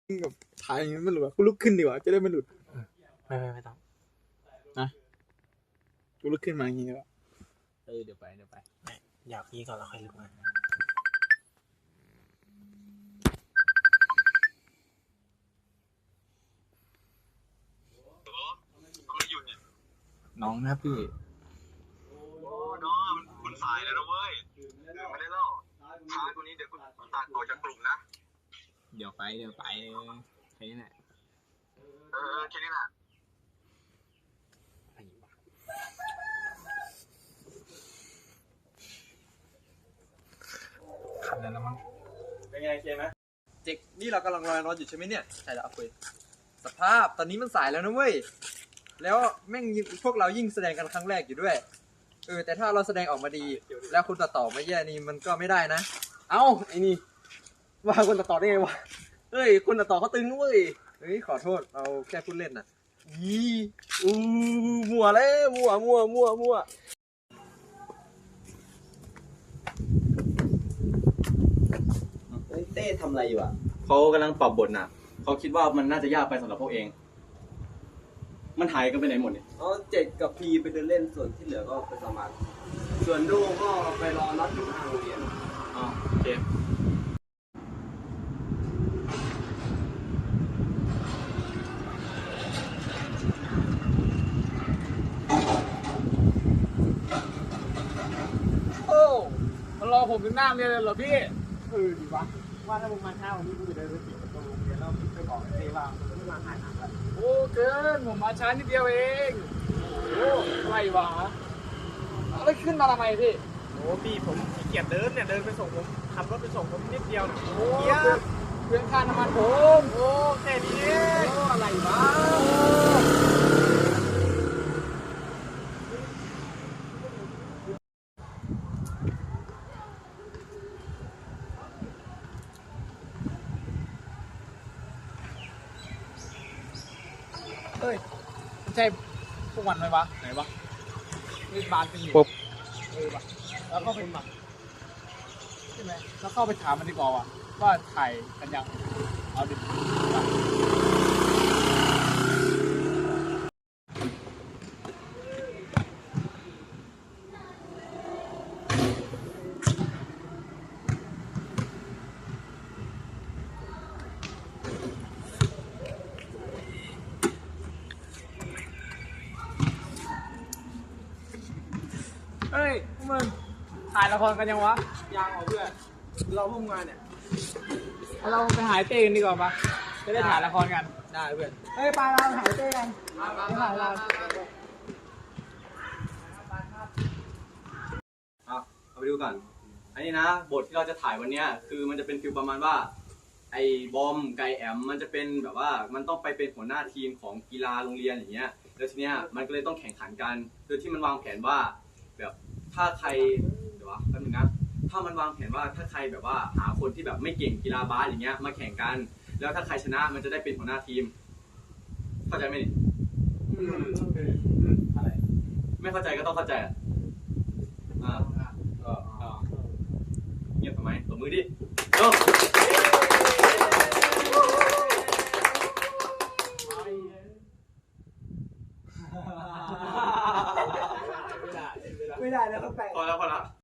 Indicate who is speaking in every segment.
Speaker 1: กับถ่ายอย่างนี้มันหลุดกูลุกขึ้นดีกว่าจะได้ไม่หลุด
Speaker 2: ไม่ต้อง
Speaker 1: นะกูลุกขึ้นมาอย่างนี้ดีกว่า
Speaker 2: เดี๋ยวไปอยากพี่ก่อนแล้วค่อยลุกมาน้องนะพี่
Speaker 3: โอ้น้องคุณสายแล้วนะเว้ยไม่ได้เล่าช้าตัวนี้เดี๋ยวคุณตัดออกจากกลุ่มนะ
Speaker 2: เดี๋ยวไปแค่นี้แหละ
Speaker 3: แค่นี้แหละ
Speaker 2: ขับแล้วมั้ง
Speaker 4: เป็นไงเคไหม
Speaker 1: เจ๊กนี่เรากำลังรออยู่ใช่ไหมเนี่ยใช่แล้วคุยสภาพตอนนี้มันสายแล้วนะเว้ยแล้วแม่งพวกเรายิ่งแสดงกันครั้งแรกอยู่ด้วยแต่ถ้าเราแสดงออกมาดีแล้วคนตัดต่อไม่แย่นี่มันก็ไม่ได้นะ
Speaker 4: เอ้าไอ้นี่ว่าคนตัดต่อได้ไงวะเฮ้ยคนตัดต่อเขาตึงด้วย
Speaker 1: ขอโทษเราแค่พูดเล่นน่ะ
Speaker 4: มั่วเลยมั่ว
Speaker 5: เต้ทำอะไรอยู่อ่ะเขากำลังปรับบทน่ะเขาคิดว่ามันน่าจะยากไปสำหรับพวกเองมันหายกันไปไหนหมดเนี่ย
Speaker 4: เจ็ดกับพีไปเดินเล่นส่วนที่เหลือก็ไปสมัครส่วนดูก็ไปรอนัดอยู่หน้าโรงเรียน
Speaker 5: โอเค
Speaker 2: มันรอผมถึงหน้าเรียนเลยเหรอพี่
Speaker 4: ดีวะว่าถ้ามึงมาเช้าวันนี้กูจะเดินไปติดประตูโรงเรียนแล้วไปบอกไอ้เต้ว่ามึงไม่มาหาหนักแล้ว
Speaker 2: โอ้เกินผมมาช้านิดเดียวเองโอ้อะไรวะแล้วขึ้นมาทำไมพี่
Speaker 4: โอ้พี่ผมขี้เกียจเดินเนี่ยเดินไปส่งผมขับรถไปส่งผมนิดเดียว
Speaker 2: โอ้เพื่อนค่าน้ำมันผม
Speaker 4: โอ้แค่นี้
Speaker 2: โอ้อะไรวะเฮ้ยไม่ใช่พวกมันไหมวะไหนวะนี่บานเป็นอยู่วะแล้วก็เป็นแบบใช่ไหมแล้วเข้าไปถามมันดีกว่าว่าถ่ายกันยังเอาดิเฮ้ยพวกมึงถ่ายละครกันยังวะ
Speaker 4: ยังเหรอเพื่อนเราพวกงานเนี่ย
Speaker 2: เราไปหายเต้กันดีกว่าปะจะได้ถ่ายละครกัน
Speaker 1: ได้เพื่อน
Speaker 2: เฮ้ยไปเราหายเต้กันไปถ่ายเรา
Speaker 5: เอาไปดูก่อนอันนี้นะบทที่เราจะถ่ายวันนี้คือมันจะเป็นฟิลประมาณว่าไอ้บอมไกแอมมันจะเป็นแบบว่ามันต้องไปเป็นหัวหน้าทีมของกีฬาโรงเรียนอย่างเงี้ยแล้วทีเนี้ยมันก็เลยต้องแข่งขันกันโดยที่มันวางแผนว่าแบบถ้าใครเดี๋ยวแป๊บนึงนะถ้ามันวางแผนว่าถ้าใครแบบว่าหาคนที่แบบไม่เก่งกีฬาบาสอย่างเงี้ยมาแข่งกันแล้วถ้าใครชนะมันจะได้เป็นหัวหน้าทีมเข้าใจไหมนี่อะไรไม่เข้าใจก็ต้องเข้าใจก็เงียบทำไมตบมือดิโอ้
Speaker 4: ไม่ได้แล้วก็แปลก
Speaker 5: พอแล้ว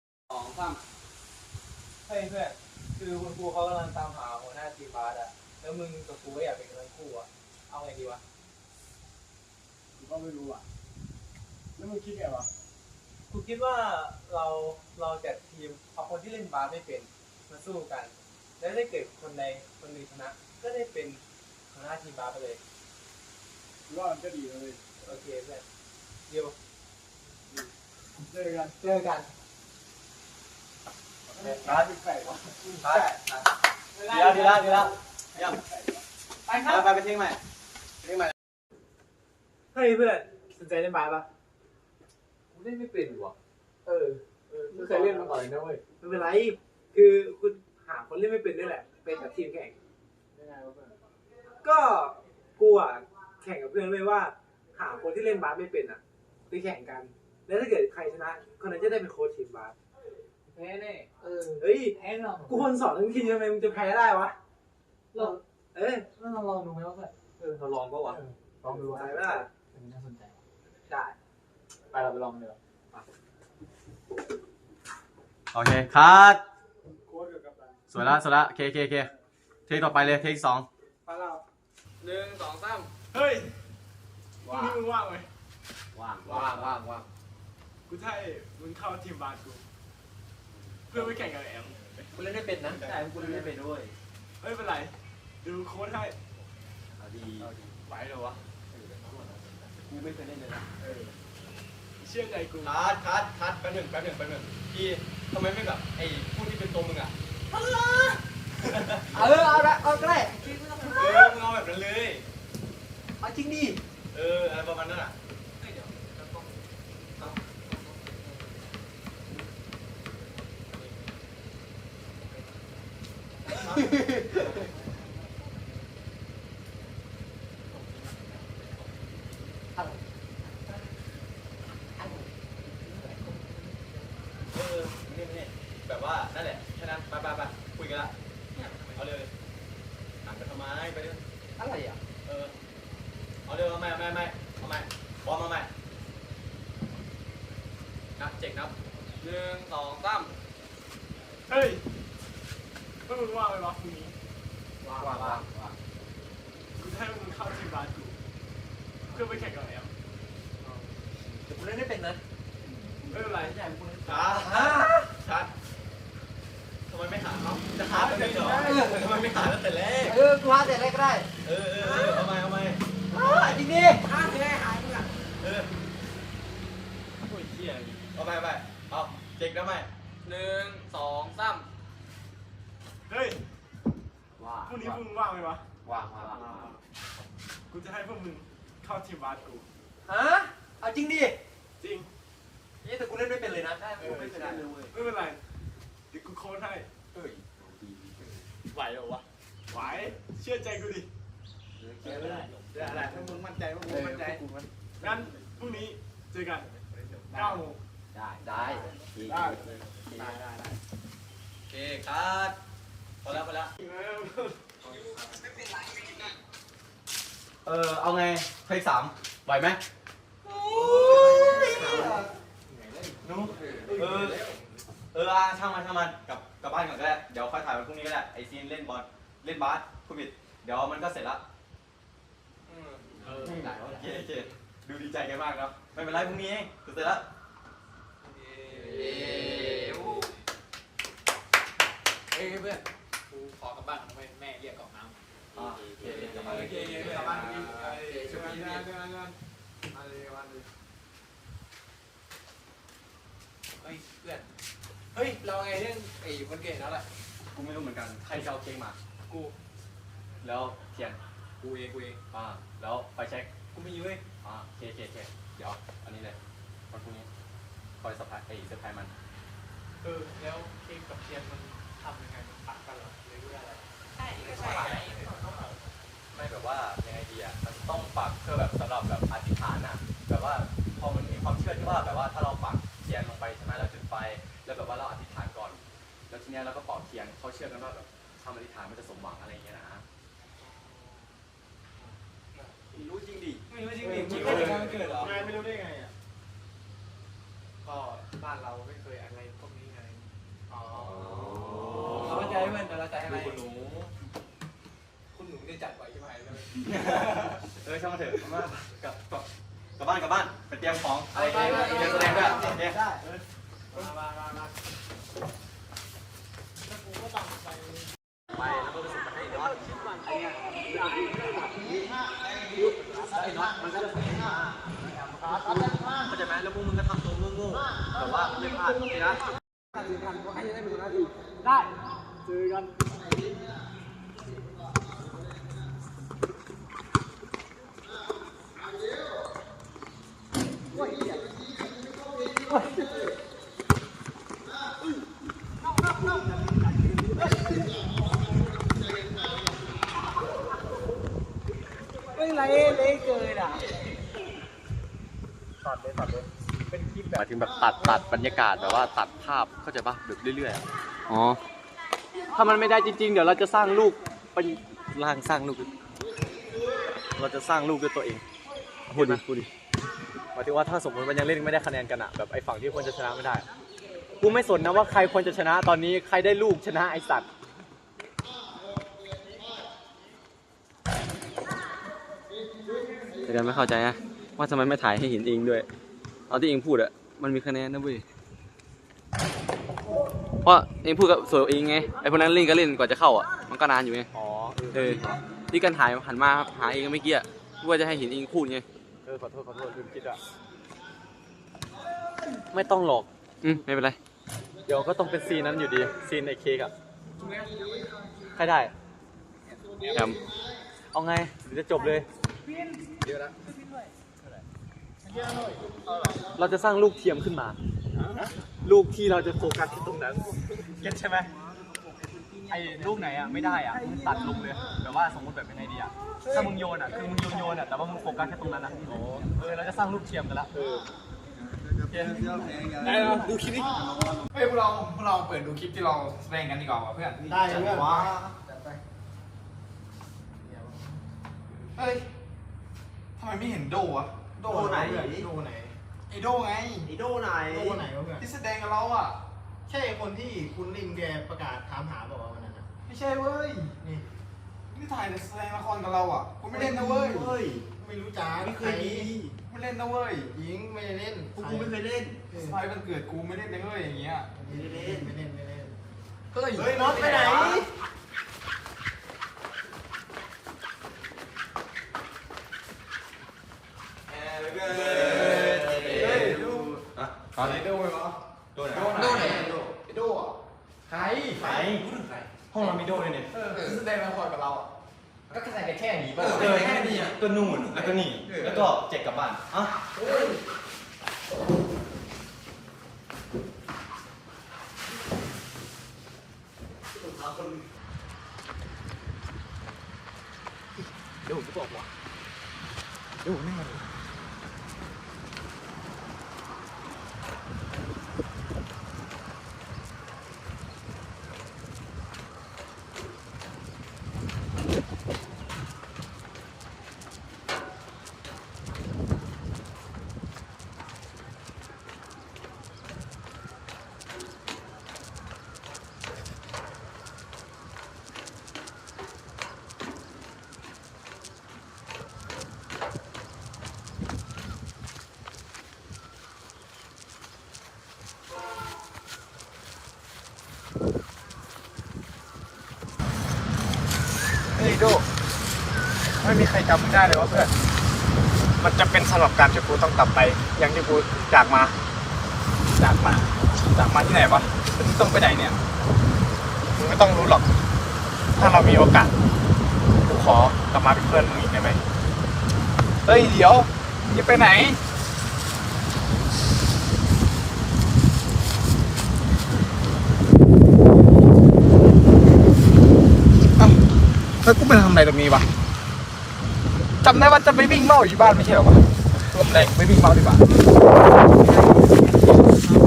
Speaker 4: เฮ้ยเพื่อนคือคุณครูเขากำลังตามหาหัวหน้าทีมบาสอะแล้วมึงกับกูก็อยากเป็นกันทั้งคู่อะเอาไงดีวะกูก็ไม่รู้อะแล้วมึงคิดไงวะกูคิดว่าเราจัดทีมเอาคนที่เล่นบาสไม่เป็นมาสู้กันแล้วได้เกิดคนใดคนหนึ่งชนะก็ได้เป็นหัวหน้าทีมบาสไปเลยว่ามันก็ดีเลยโอเคเพื่อนเดี๋ยวเจอกันร้านแปลกๆวะดีแล้วยังไปครับไปเที่ยงใหม่เฮ้ยเพื่อนสนใจเล่นบาสปะ
Speaker 1: กูเล่นไม่เป็นว่ะ
Speaker 4: ไม่เคยเล่นมาก่อนเลยนะเว้ยไม่เป็นไรคือคุณหาคนเล่นไม่เป็นนี่แหละเป็นกับทีมแข่งก็กูอ่ะแข่งกับเพื่อนเลยว่าหาคนที่เล่นบาสไม่เป็นอ่ะไปแข่งกันแล้วถ้าเกิดใครชนะคนนั้นจะได้เป็นโค้ชทีมบาส
Speaker 2: แพ้แน่
Speaker 4: เฮ้ย
Speaker 2: แพ้หรอ
Speaker 4: กูคนสอนทั้งทีทำไมมึงจะแพ้ได้วะ
Speaker 2: เรา
Speaker 4: แล้วเราลองดูไหมว่า
Speaker 1: เราลองก็วะ
Speaker 4: ลองดู
Speaker 1: ใช่ไหมล่ะ
Speaker 4: น่าสนใจ
Speaker 1: ได้
Speaker 4: ไปเราไปลองเลย
Speaker 5: โอเคคัด
Speaker 4: โค้ดกับกัปตัน
Speaker 5: สวยละเคเทคต่อไปเลยเทคสอง
Speaker 4: ไปแล้ว
Speaker 1: 1 2 3
Speaker 2: เฮ้ยพรุ่งนี้มึงว่างไหม
Speaker 5: ว่าง
Speaker 1: ว่าง
Speaker 2: กูจะให้มึงเข้าทีมบาสกูเพื่อไปแข่งกับแอม
Speaker 1: กูเล่นไม่เป็นนะใช่กูเล่นไม่เป็นด้วย
Speaker 2: ไม่เป็นไรดูโค้ดให้
Speaker 5: เอาดี
Speaker 2: ไหวเหรอวะ
Speaker 1: กูไม่เคยเล่นเลยนะ
Speaker 2: เชื่อใจกู
Speaker 5: คัดแป๊บหนึ่งพี่ทำไมไม่แบบไอ้ผู้ที่เป็นตัวมึงอ่ะ
Speaker 1: เอาละเอาก็ได้
Speaker 5: มึงเอาแบบนั้นเลย
Speaker 1: เอาจริงดิ
Speaker 5: อะไรประมาณนั้นอ่ะ นี่แบบว่านั่นแหละแค่นั้นไปคุยกันละเอาเลยหันไปทำไมไปเรื่อย
Speaker 1: อะไรอ่ะ
Speaker 5: เอาเร็วเอาใหม่บอมมาใหม่นับเจ็กนับ1 2 3
Speaker 2: เฮ้ยเพื่อมึงว่างไหมวะพรุ่งนี้
Speaker 1: ว่าง
Speaker 2: กูจะให้มึงเข้าทีมบาสกูเพื่อไปแข่งกับแอม
Speaker 1: แต่กูเล่นไม่เป็นนะ
Speaker 2: ไม่เป็นไร
Speaker 5: ชัดทำไมไม่หาเขาจะหาแบบนี้เหรอทำไมไม่หาตั้งแต่แรก
Speaker 1: กูหาแต่แรกก็ได้
Speaker 5: เอาใหม่
Speaker 1: จริงดิ
Speaker 2: โอ้ยเหี้ย
Speaker 5: เอาใหม่เอาเจ็กนะใหม่1 2 3
Speaker 2: เฮ้ยพรุ่งนี้มึงว่างไหมวะ
Speaker 5: ว่าง
Speaker 2: กูจะให้พวกมึงเข้าทีมบาสกู
Speaker 1: ฮะเอาจริงดิ
Speaker 2: จริง
Speaker 1: นี่แต่กูเล่นไม่เป็นเลยนะกูไม่เคยเล่นเลย
Speaker 2: ไม่เป็นไรเดี๋ยวกูโค้ดให้ ไหวเหรอวะ ไหว เชื่อใจกูดิ
Speaker 4: อะไรถ้ามึงมั่นใจว่ากูมั่นใจ
Speaker 2: งั้นพรุ่งนี้เจอกัน9 โมง
Speaker 5: ได้
Speaker 2: ได้
Speaker 5: โอเคคัดพอแล้วเอาไงเทค3ไหวไหมช่างมันกลับบ้านก่อนก็ได้เดี๋ยวค่อยถ่ายวันพรุ่งนี้ก็ได้ไอซีนเล่นบาสคุณบิดเดี๋ยวมันก็เสร็จละโอเคดูดีใจกันมากเนาะไม่เป็นไรพรุ่งนี้เองเสร็จแล้ว
Speaker 4: เฮ้ยเพื่อนกูขอกลับบ้านทำไมแม่เรียกกรอกน้ำ
Speaker 5: โอเคกลับมา
Speaker 2: กลับบ้านกิน
Speaker 4: ช่วยกัน เฮ้ยเพื่อน เฮ้ยเราไงเรื่องไอ้วันเกิดแล้วแหละ
Speaker 5: กูไม่รู้เหมือนกันใครจะเอาเค้กมา
Speaker 4: กู
Speaker 5: แล้วเทียน
Speaker 4: กูเอง
Speaker 5: แล้วไฟเช็ค
Speaker 4: กูไม่ยุ่ย
Speaker 5: เคเดี๋ยวอันนี้เลยวันพรุ่งนี้คอยเซอร์ไพรส์มัน
Speaker 2: แล้วเค้กกับเทียนมันทำยังไงมันตัดกันเหรอหรือว่าอะไร
Speaker 5: ไม่แบบว่ายังไงดีอ่ะมันต้องปักเพื่อแบบสำหรับแบบอธิษฐานอ่ะแบบว่าพอมันมีความเชื่อที่ว่าแบบว่าถ้าเราปักเทียนลงไปใช่ไหมเราจุดไฟแล้วแบบว่าเราอธิษฐานก่อนแล้วทีเนี้ยเราก็เป่าเทียนเขาเชื่อกันว่าแบบทำอธิษฐานมันจะสมหวังอะไรอย่างเงี้ยนะรู้จริงดิ
Speaker 4: ไม่รู้จริงดิ
Speaker 2: จริง
Speaker 4: ไม่ได้วันเกิดเหรอ
Speaker 2: ไงไม่รู้ได้ไงอ่ะ
Speaker 4: ก็บ้านเราไม่เคยอะไรพวกนี้ไง
Speaker 2: อ๋อ
Speaker 4: เราใจเพื่อนแต่เราใจอะไร
Speaker 5: คุณหนู
Speaker 4: คุณหนูได้จัดไว้ใช่ไหมแล้ว
Speaker 5: ช่างมาเถอะกลับบ้านไปเตรียมของอะไรเงี้ยแสดงด้วยเนี่ย
Speaker 2: ได้มาแล้วกูก็ต้องไป
Speaker 5: แล้วก็ไปส่งให้น็อตไอ้น็อตมันก็จะเข้าใจไหมแล้วพวกมึงก็ทำตัวโง่ๆแต่ว่าไม่พลาดนะ
Speaker 2: ได้เจอกัน
Speaker 4: ไม่ไรเลยเกินอ่ะ
Speaker 5: หมายถึงแบบตัดบรรยากาศแบบว่าตัดภาพเข้าใจป่ะแบบเรื่อยๆอ๋อถ้ามันไม่ได้จริงๆเดี๋ยวเราจะสร้างลูกเป็นสร้างลูกเราจะสร้างลูกด้วยตัวเองพูดดิหมายถึงว่าถ้าสมมติมันยังเล่นไม่ได้คะแนนกันอะแบบไอ้ฝั่งที่ควรจะชนะไม่ได้กูไม่สนนะว่าใครควรจะชนะตอนนี้ใครได้ลูกชนะไอ้สัตว์แต่กันไม่เข้าใจนะว่าทำไมไม่ถ่ายให้เห็นเองด้วยเอาที่เองพูดอะมันมีคะแนนนะเว้ยเพราะเองพูดกับส่วนเองไงไอ้พวกนั้นเล่นก็เล่นกว่าจะเข้าอะมันก็นานอยู่ไงอ๋อที่กันถ่ายหันมาหาเองเมื่อกี้อะว่าจะให้เห็นเองพูดไงขอโทษลืมคิดอะไม่ต้องหรอกไม่เป็นไรเดี๋ยวก็ต้องเป็นซีนนั้นอยู่ดีซีนในเค้กอะใครได้แอมเอาไงเดี๋ยวจะจบเลยเราจะสร้างลูกเทียมขึ้นมาลูกที่เราจะโฟกัสที่ตรงนั้นเก็ตใช่ไหมไอ้ลูกไหนอ่ะไม่ได้อ่ะมึงตัดลงเลยแบบว่าสมมติแบบเป็นไงดีอ่ะถ้ามึงโยนอ่ะคือมึงโยนอ่ะแต่ว่ามึงโฟกัสแค่ตรงนั้นอ่ะเราจะสร้างลูกเทียมกันละ
Speaker 2: ได้แล้วดูคลิปนี้เฮ้ยพวกเราเปิดดูคลิปที่เราแสดงกันดีกว่าเพื่อนได้เพื่อนว้าเฮ้ยทำไมไม่เห็นโดอะโดไหนโดไหนไอโดไงไอโดไหนโดไหนวะเพื่อนที่แสดงกับเราอ่ะใช่คนที่คุณลิงแกประกาศถามหาบอกว่าวันนั้นนะไม่ใช่เว้ยนี่ถ่ายแสดงละครกับเราอ่ะคุณไม่เล่นนะเว้ยไม่รู้จักไม่เคยมีไม่เล่นนะเว้ยยิงไม่ได้เล่นกูไม่เคยเล่นสไปวันเกิดกูไม่เล่นนะเว้ยอย่างเงี้ยไม่ได้เล่นเฮ้ยน็อตไปไหนตอนนี้โดนไหมวะโดนไหนโดอ่ะใครห้องเรามีโดเลยเนี่ยแสดงละครกับเราอ่ะก็แสดงแค่นี้ป่ะแค่นี้อ่ะก็นู่นแล้วก็นี่แล้วก็เจ็กกลับบ้านอ่ะเดี๋ยวผมจะบอกว่าเดี๋ยวผมไม่มาดูโดไม่มีใครจำมึงได้เลยวะเพื่อนมันจะเป็นสำหรับการที่กูต้องกลับไปอย่างที่กูจากมาที่ไหนวะต้องไปไหนเนี่ยมึงไม่ต้องรู้หรอกถ้าเรามีโอกาสกูขอกลับมาเป็นเพื่อนมึงอีกได้ไหมเฮ้ยเดี๋ยวจะไปไหนแล้วกูไปทำอะไรตรงนี้วะจำได้ว่าจะไปวิ่งเมาอยู่บ้านไม่ใช่หรอวะรวมแรงไปวิ่งเมาดีกว่า